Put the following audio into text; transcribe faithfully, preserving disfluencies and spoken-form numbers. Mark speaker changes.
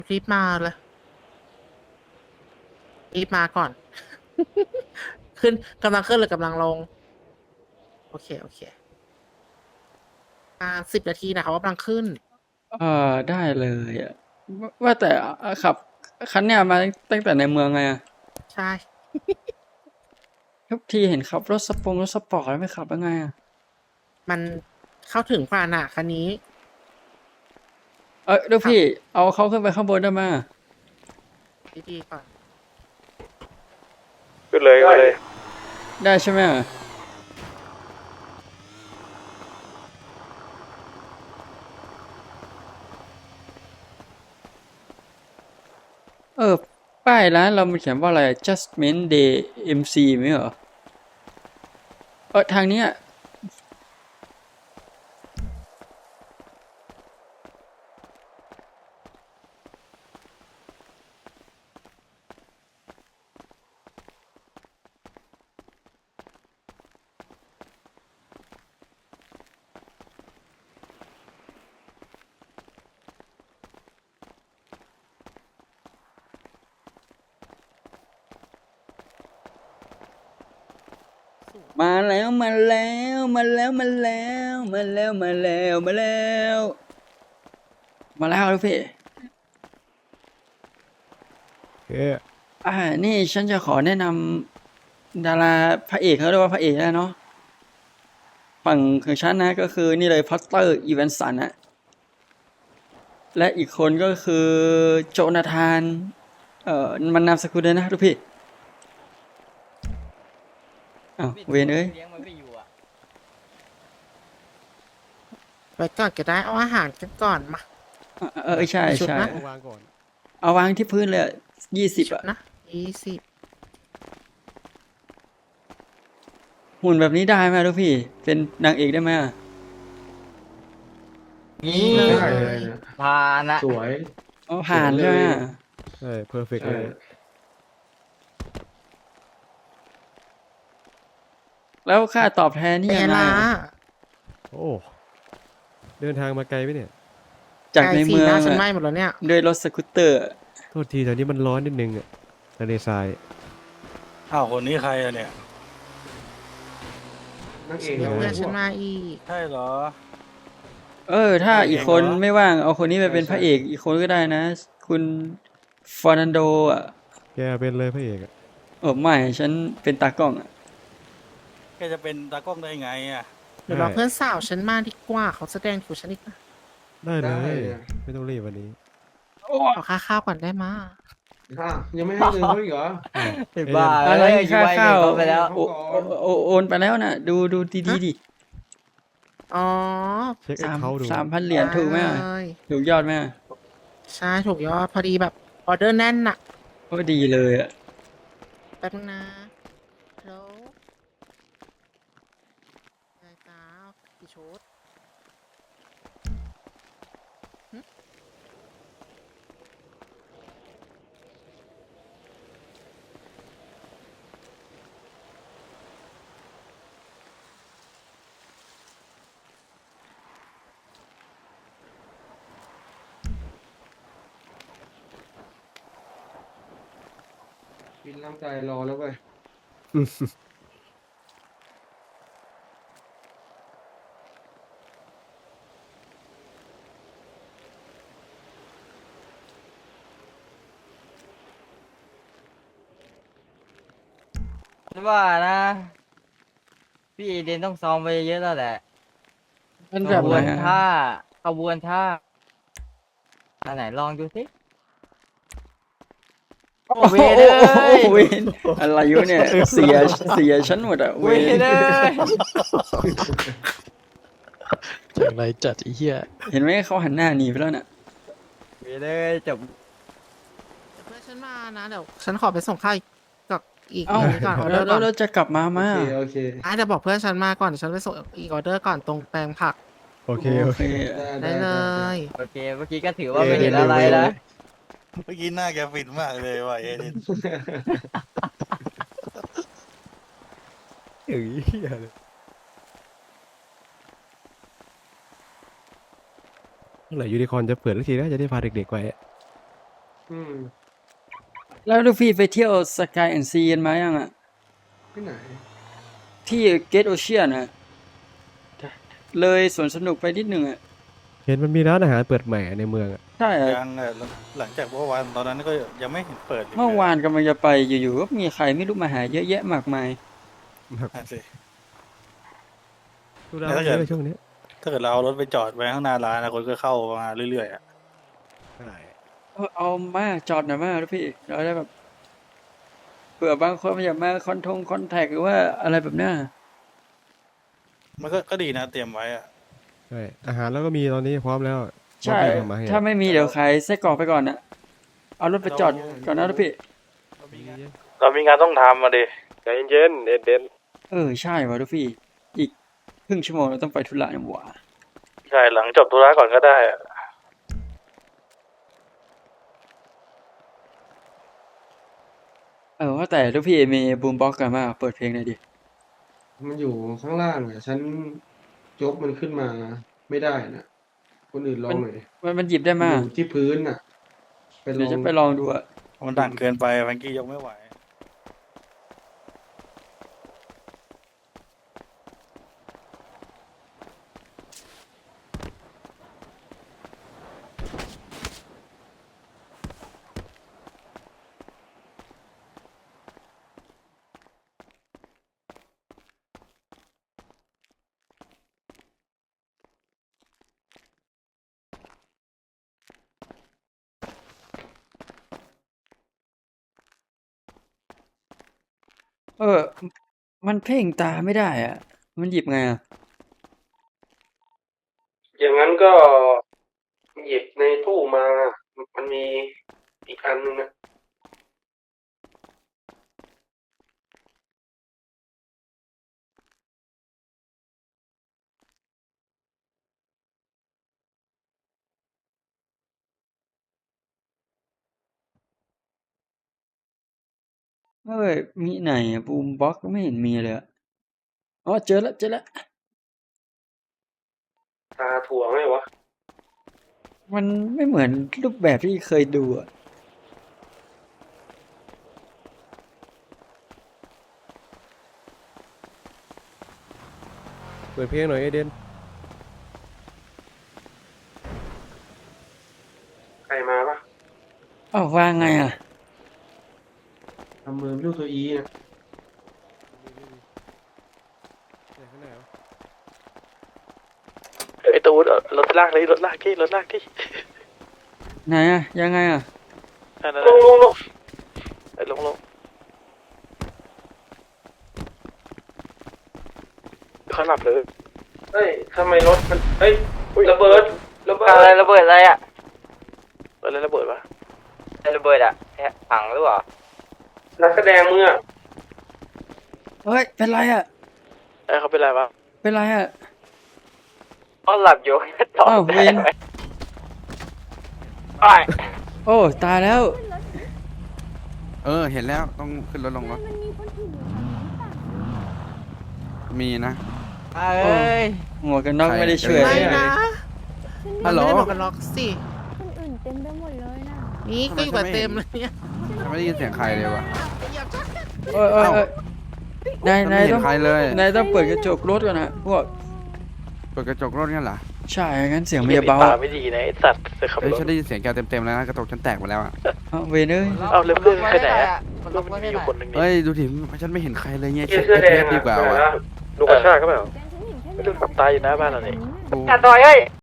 Speaker 1: รีบมาเลยรีบมาก่อน ขึ้นกำลังขึ้นหรือกำลังลงโอเคโอเคอ่าสิบนาทีนะคะว่ากำลังขึ้น
Speaker 2: เออได้เลยอะว่าว่าแต่อ่ะขับคันเนี้ยมาตั้งแต่ในเมืองไงอะ
Speaker 1: ใช่
Speaker 2: ทุกทีเห็นขับรถสปงรถสปอร์ตแล้วไม่ขับยังไงอะ
Speaker 1: มันเข้าถึงกว่าน่ะคันนี้
Speaker 2: เออเดี๋ยว
Speaker 1: ขับ
Speaker 2: พี่เอาเขาขึ้นไปข้างบนได้ไหมย
Speaker 1: ดีๆก่อน
Speaker 3: ขึ้นเลยขึ้นเลย
Speaker 2: ได้ใช่ไหมยเออป้ายร้านเรามันเขียนว่าอะไร Justment Day เอ็ม ซี ไหมเหรอเออทางเนี้ยมาแล้วมาแล้วมาแล้วมาแล้วมาแล้วมาแล้วมาแล้วมาแล้วลูกพี่
Speaker 3: โอเค
Speaker 2: อ่านี่ฉันจะขอแนะนำดาราพระเอกเขาเรียกว่าพระเอกแล้วเนาะฝั่งของฉันนะก็คือนี่เลยพอตเตอร์อีแวนสันนะและอีกคนก็คือโจนาธานเอ่อมันนามสกุลเลยนะทุกพี่อ้าวเวนเอ้ย
Speaker 4: เลี้ยงมันไม่อยู่อ่ะ
Speaker 1: ไว้ก่อนก็ได้เอาอาหารกันก่อนมา
Speaker 2: เออเออใช่
Speaker 1: กี่ชุด
Speaker 2: ใช่
Speaker 1: นะ
Speaker 3: เอาวางก่อน
Speaker 2: เอาวางที่พื้นเลยยี่สิบอะ
Speaker 1: ชุดนะยี่สิบ
Speaker 2: หุ่นแบบนี้ได้ไหมทุกพี่เป็นนางเอกได้ไหมอะ
Speaker 4: นี่
Speaker 1: เล
Speaker 5: ได้เลย
Speaker 1: ย
Speaker 5: นะ
Speaker 4: พานะ
Speaker 5: สวย
Speaker 2: เอาผ่านใช่ไหมอะ
Speaker 3: ใช่เพอร์เฟกต์
Speaker 5: ใช่
Speaker 3: เลย
Speaker 2: แล้วค่าตอบแทนนี่
Speaker 1: เป็น
Speaker 2: ยังไง
Speaker 1: ไงล่ะ
Speaker 2: อะ
Speaker 3: โอ้เดินทางมาไกลไหมเนี่ย
Speaker 2: จาก
Speaker 1: ใจ
Speaker 2: ใน
Speaker 1: สี
Speaker 2: เมื
Speaker 1: ห
Speaker 2: อง
Speaker 1: น้าฉัน
Speaker 2: อะ
Speaker 1: ไหม้หมดแล้วเนี่ย
Speaker 2: ด้วยรถสกูตเตอร์
Speaker 3: โทษทีแถวนี้มันร้อนนิดนึงอะทะเลทราย
Speaker 6: อ้าวคนนี้ใครอะเนี่ย
Speaker 5: นักเอก
Speaker 1: เดี๋ยว
Speaker 5: นะ
Speaker 1: เพื่อนฉันมาอีก
Speaker 6: ใช่เหรอ
Speaker 2: เออ ถ้าอีกคนไม่ว่างเอาคนนี้ไปเป็นพระเอกอีกคนก็ได้นะ คุณฟอร์นันโดอ่ะ
Speaker 3: แกเป็นเลยพระเอกอะ
Speaker 2: เออไม่ฉันเป็นตากล้องอ่ะ
Speaker 6: แกจะเป็นตากล้องได้ไงอะ
Speaker 1: เดี๋ยวรอเพื่อนสาวฉันมาดีกว่าเขาแสดงถูกฉันอีกนะ
Speaker 3: ได้เล
Speaker 5: ได้
Speaker 3: ย
Speaker 5: เลย
Speaker 3: ไม่ต้องรีบวันนี้
Speaker 1: ขอค่าข้าวก่อนได้มา
Speaker 5: อ้าวยังไม่ให้เงินเขาอีกเหรอ
Speaker 6: ไอ้
Speaker 4: บ้า
Speaker 2: อะไร
Speaker 4: เอ้ย
Speaker 2: ค่า
Speaker 4: ไว้
Speaker 2: ข้าว
Speaker 4: เงินเขาไปแล้ว
Speaker 2: โอโอโอโอนไปแล้วน่ะ ดูดูดีดีๆดิ
Speaker 1: อ๋อ
Speaker 3: เช็คแอ
Speaker 2: สาม
Speaker 3: คเคาท์ดู
Speaker 2: สามพันเหรียญถูกไหมอะ
Speaker 1: เลย
Speaker 2: ถูกยอดไหมอะ
Speaker 1: ใช่ถูกยอดพอดีแบบออเดอร์แน่นน่ะ
Speaker 2: ก็ดีเลยอ่ะ
Speaker 1: แป๊บนึงนะฮัลโหลอะไรจ้ากี่ชุดหึ
Speaker 5: กินน้ำใจรอแล้วเว้ย
Speaker 4: ฉันว่านะ พี่เอเดนต้องซ้อมไปเยอะแล้วแหละ
Speaker 2: มัน
Speaker 4: ข
Speaker 2: แบบ
Speaker 4: บ
Speaker 2: ไห
Speaker 4: วน น
Speaker 2: อะ
Speaker 4: ท่าขบวนท่าอันไหนลองดูสิโอ้เว
Speaker 2: โอ้
Speaker 4: น
Speaker 2: โห
Speaker 4: เอ้ย
Speaker 2: เวนอะไรอยู่เนี่ย เสียเสียฉันหมดอ่ะ
Speaker 4: เว
Speaker 2: เวน
Speaker 4: นเอ้ย
Speaker 7: จากไรจัดไอ้เหี้ย
Speaker 2: เห็นไหมเขาหันหน้าหนีไปแล้วน่ะ
Speaker 4: เวนเอ้ยจบ
Speaker 1: เดี๋ยวเพื่อนฉันมานะเดี๋ยวฉันขอไปส่งข้าวอีกกับอีก
Speaker 2: เอ้า
Speaker 1: นี้ก่อนออเด
Speaker 2: แล้
Speaker 1: อ
Speaker 2: ว
Speaker 1: ร์
Speaker 2: แล้
Speaker 1: ก่
Speaker 2: ว
Speaker 1: อน
Speaker 2: เราจะกลับมาไหม
Speaker 5: โอเค
Speaker 2: อะ
Speaker 5: โอเค
Speaker 1: อ่ะเดี๋ยวบอกเพื่อนฉันมาก่อนเดี๋ยวฉันไปส่งอีกออเดอร์ก่อนตรงแปลงผัก
Speaker 3: โอเค
Speaker 2: โอ
Speaker 3: โอ
Speaker 2: เค
Speaker 3: เค
Speaker 1: ได้เลย
Speaker 4: โอเคเมื่อกี้ก็ถือว่าไม่เห็นอะไรนะ
Speaker 6: เมื่อกี้หน้าแกฟินมากเลยว่ะเอเดน
Speaker 3: เอ้ยเหี้ยเลยเมื่อไหร่ยูนิคอร์นจะเปิดสักทีนะจะได้พาเด็กๆไปอะ
Speaker 5: อืม
Speaker 2: แล้วลูฟี่ไปเที่ยวสกายแอนด์ซีกันมายังอ่ะ
Speaker 5: ที่ไหน
Speaker 2: ที่เกตโอเชียนอ่ะ เลยสวนสนุกไปนิดหนึ่งอ่ะ
Speaker 3: เห็นมันมีร้านอาหารเปิดใหม่ในเมืองอะ
Speaker 2: ใช่อะ
Speaker 6: ยังอ่ะหลังจากเมื่อวานตอนนั้นก็ยังไม่เห็นเปิดลย
Speaker 2: เมื่อวานกำลังจะไปอยู่ๆก็มีใครไม่รู้มาหาเยอะแยะมากมาย
Speaker 6: นั่นสิ
Speaker 3: ดูดาว
Speaker 6: แล้วถ้า
Speaker 3: เย
Speaker 6: เกิด
Speaker 3: อะช่วงนี้
Speaker 6: ถ้าเกิดเราเอารถไปจอดไว้ข้างหน้าร้านนะคนก็เข้ามาเรื่อยๆอ่ะ
Speaker 3: ใช่
Speaker 2: เออเอามาจอดหน่อยมาลูกพี่เราได้แบบเผื่อบางคนมันอยากมาคอนทงคอนแทคหรือว่าอะไรแบบเนี้ย
Speaker 6: มันก็ก็ดีนะเตรียมไว้อ่ะ
Speaker 3: ใช่อาหารแล้วก็มีตอนนี้พร้อมแล้ว
Speaker 2: ใช่
Speaker 3: มอบให้ทำมาให้
Speaker 2: ถ้าไม่มีเดี๋ยวขายไส้กรอกไปก่อนนะเอารถไปจอดก่อนนะลูกพี่
Speaker 6: เรามีงานต้องทำมาดิ
Speaker 8: ใจเย็นๆเอ็ดเดน
Speaker 2: เออใช่ว่ะลูกพี่ อีกครึ่งชั่วโมงเราต้องไปธุระนี่หว่า
Speaker 6: ใช่หลังจบธุระก่อนก็ได้อะ
Speaker 2: เออว่าแต่ลูกพี่มีบูมบ็อกซ์กันมาเปิดเพลงหน่อยดิ
Speaker 5: มันอยู่ข้างล่างอ่ะ ฉันยกมันขึ้นมาไม่ได้นะคนอื่นลองหน่อยดิ
Speaker 2: มันมันหยิบได้
Speaker 5: อ
Speaker 2: มา
Speaker 5: ยู่ที่พื้นน่ะ ไปล
Speaker 2: เดี๋ย
Speaker 5: อ
Speaker 2: ว
Speaker 5: ง
Speaker 2: จะไปลองดูอะ
Speaker 6: มันดังเกินไปแฟรงกี้ยกไม่ไหว
Speaker 2: เออ มันเพ่งตาไม่ได้อะมันหยิบไงอะ
Speaker 5: อย่างนั้นก็หยิบในตู้มา มันมีอีกอันนึงนะ
Speaker 2: เอ้ยมีไหนอะบูมบ็อกซ์ไม่เห็นมีเลยอะอ๋อเจอแล้วเจอแล้ว
Speaker 5: ตาถั่วไหมวะ
Speaker 2: มันไม่เหมือนรูปแบบที่เคยดูอะ
Speaker 3: เปิดเพลงหน่อยเอเดน
Speaker 5: ใครมาปะ
Speaker 2: อ้าววางไงอะ
Speaker 5: ทำมือเป็นรูปตัวอีนะ
Speaker 3: ข้างในเหรอ
Speaker 7: ไอตูนรถลากเลยรถลากที่รถลากที่
Speaker 2: ไหนอะยังไงอะ
Speaker 7: นั่นนั่น
Speaker 5: ลงลงลง
Speaker 7: ไอ้ลงลงเขาหลับเลย
Speaker 5: เฮ้ยทำไมรถมันเฮ้ยระเบิดระเบิด
Speaker 4: อะไรระเบิดอะไรอ่ะ
Speaker 7: อะไรระเบิดวะ
Speaker 4: อะไรระเบิดอ่ะแฮะถังหรือเปล่า
Speaker 5: นักแสดงมึงอ่ะ
Speaker 2: เฮ้ยเป็นไรอะ
Speaker 7: ไอ้เขาเป็นไรวะ
Speaker 2: เป็นไรอะ
Speaker 4: ก็หลับอยู่ ต่อ
Speaker 2: อ้าวเวน
Speaker 4: ไอ้
Speaker 2: โอ้ตายแล้ว
Speaker 9: เออ เห็นแล้วต้องขึ้นรถลงรถ
Speaker 10: มันมีคนอื่นอยู่แถวนี้ป่ะ
Speaker 9: มีนะ
Speaker 4: เอ้ย
Speaker 2: หมวกกันน็อก
Speaker 9: ใคร
Speaker 2: ไม่ได้ช่วย
Speaker 9: เอ่ย
Speaker 1: ไม่นะ
Speaker 10: ฉัน
Speaker 9: ฮัลโหล
Speaker 1: ไม่ได้บอกกันล็อกสิ
Speaker 10: คนอื่นเต็มไปหมดเลยนะ
Speaker 1: นี่ก็อยู่กับเต็มเลยเนี่ย
Speaker 9: ฉันไม่ได้ยินเสียงใครเลยวะ
Speaker 2: เอ้ยเอ้ยเอ้ยนาย
Speaker 9: ฉัน
Speaker 2: นา
Speaker 9: ไม่
Speaker 2: ย
Speaker 9: เห็
Speaker 2: ต้อน ง
Speaker 9: ใครเลย
Speaker 2: นายต้องเปิดกระจกรถก่อนนะพวก
Speaker 9: เปิดกระจกรถงั้นเหรอ
Speaker 2: ใช่งั้นเสียงมันจะเบา
Speaker 7: ตาไม่ดีนะไอ้สัตว์จะขับ
Speaker 9: เอ้ย
Speaker 7: รถ
Speaker 9: ฉันได้ยินเสียงแกเต็มๆแล้วนะกระจกฉันแตกหมดแล้วอ่ะ
Speaker 2: เอาเวนเอ้ย
Speaker 7: เอาเร็วเพื่อนไปไหนอะ
Speaker 4: มัน
Speaker 7: ลู
Speaker 4: ล็
Speaker 7: ก
Speaker 4: อก
Speaker 7: มัน
Speaker 4: ไว้
Speaker 7: มี
Speaker 4: ไม่
Speaker 7: อยู่
Speaker 4: ได้
Speaker 7: คนหนึ่งนี่
Speaker 9: เอ้ยดูดิฉันไม่เห็นใครเลยเนี่ย
Speaker 5: เสื้
Speaker 9: เช็
Speaker 5: อ
Speaker 9: ค
Speaker 5: เสื้อแด
Speaker 9: เทป
Speaker 5: ง
Speaker 9: ดีกว่าว่ะ
Speaker 7: ลูกกระชากก็เปล่า
Speaker 10: แต่ฉันเห็นแค่
Speaker 7: ไม่รู้ขับตายอยู่หน้าบ้านเราเนี่ย
Speaker 9: กู
Speaker 4: อ่ะต่อยเฮ้ย